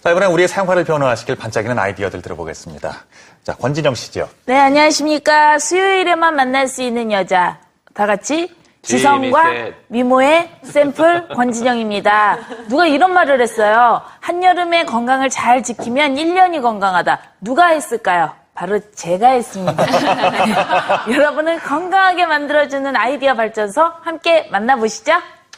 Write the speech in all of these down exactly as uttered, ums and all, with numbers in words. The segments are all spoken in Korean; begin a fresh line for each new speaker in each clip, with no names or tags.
자, 이번엔 우리의 생활을 변화시킬 반짝이는 아이디어들 들어보겠습니다. 자, 권진영 씨죠.
네, 안녕하십니까. 수요일에만 만날 수 있는 여자. 다 같이 지성과 미모의 샘플 권진영입니다. 누가 이런 말을 했어요. 한여름에 건강을 잘 지키면 일 년이 건강하다. 누가 했을까요? 바로 제가 했습니다. 여러분을 건강하게 만들어주는 아이디어 발전소 함께 만나보시죠.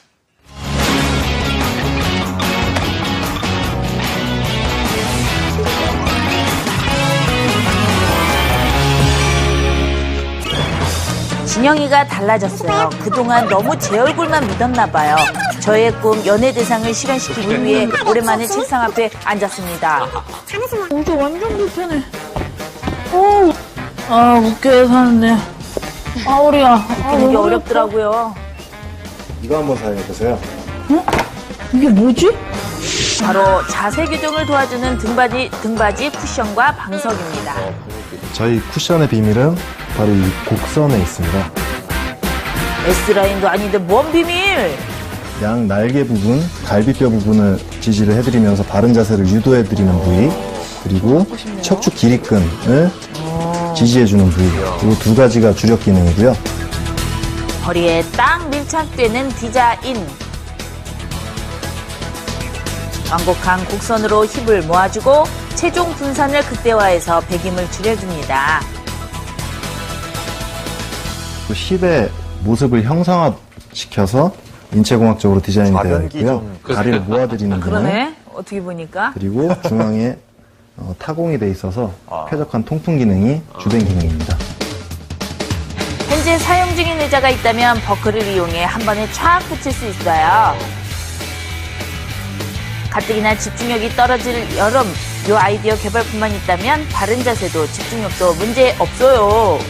진영이가 달라졌어요. 그동안 너무 제 얼굴만 믿었나 봐요. 저의 꿈 연예대상을 실현시키기 위해 오랜만에 책상 앞에 앉았습니다. 어제 완전 불편해. 어, 아, 웃겨야 사는데. 아, 우리야. 아, 이게 어렵더라고요.
이거 한번 사용해보세요.
응? 이게 뭐지? 바로 자세 교정을 도와주는 등받이, 등받이 쿠션과 방석입니다.
저희 쿠션의 비밀은 바로 이 곡선에 있습니다.
S라인도 아닌데 뭔 비밀?
양 날개 부분, 갈비뼈 부분을 지지를 해드리면서 바른 자세를 유도해드리는 부위, 그리고 척추 기립근을 지지해주는 부위, 이 두 가지가 주력 기능이고요.
허리에 딱 밀착되는 디자인. 완곡한 곡선으로 힙을 모아주고 체중 분산을 극대화해서 배김을 줄여줍니다.
또 힙의 모습을 형상화시켜서 인체공학적으로 디자인이 되어 있고요. 다리를 모아드리는 기능.
그러네. 어떻게 보니까.
그리고 중앙에 어, 타공이 돼 있어서 쾌적한 통풍 기능이 주된 기능입니다.
현재 사용 중인 의자가 있다면 버클을 이용해 한 번에 촥 붙일 수 있어요. 가뜩이나 집중력이 떨어질 여름, 이 아이디어 개발뿐만 있다면 바른 자세도 집중력도 문제 없어요.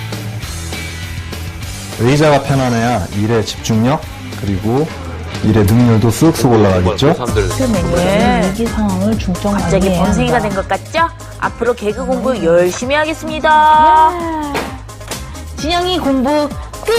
의자가 편안해야 일의 집중력, 그리고 일의 능률도 쑥쑥 올라가겠죠?
네.
위기 상황을 중점
갑자기
관리해야
범생이가
한다.
된 것 같죠? 앞으로 개그 공부 열심히 하겠습니다.
진영이 공부 끝!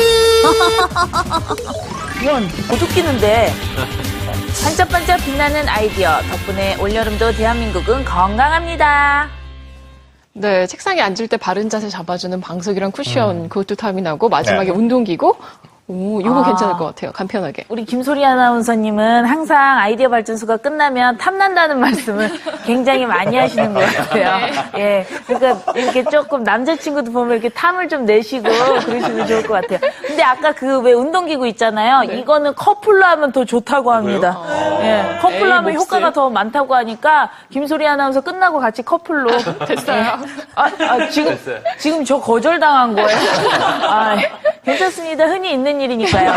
이건 못 웃기는데. 반짝반짝 빛나는 아이디어 덕분에 올여름도 대한민국은 건강합니다.
네, 책상에 앉을 때 바른 자세 잡아주는 방석이랑 쿠션, 그것도 탐이 나고, 마지막에 운동기구? 오, 이거
아.
괜찮을 것 같아요. 간편하게.
우리 김소리 아나운서님은 항상 아이디어 발전소가 끝나면 탐난다는 말씀을 굉장히 많이 하시는 것 같아요. 예. 그러니까 이렇게 조금 남자친구도 보면 이렇게 탐을 좀 내시고 그러시면 좋을 것 같아요. 근데 아까 그 왜 운동기구 있잖아요.
네.
이거는 커플로 하면 더 좋다고 합니다. 예. 커플로
에이,
하면
몹쓸.
효과가 더 많다고 하니까 김소리 아나운서 끝나고 같이 커플로.
됐어요.
아, 아, 지금, 지금 저 거절당한 거예요. 아, 괜찮습니다. 흔히 있는 일이니까요.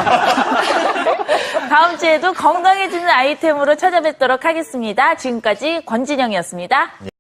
다음 주에도 건강해지는 아이템으로 찾아뵙도록 하겠습니다. 지금까지 권진영이었습니다.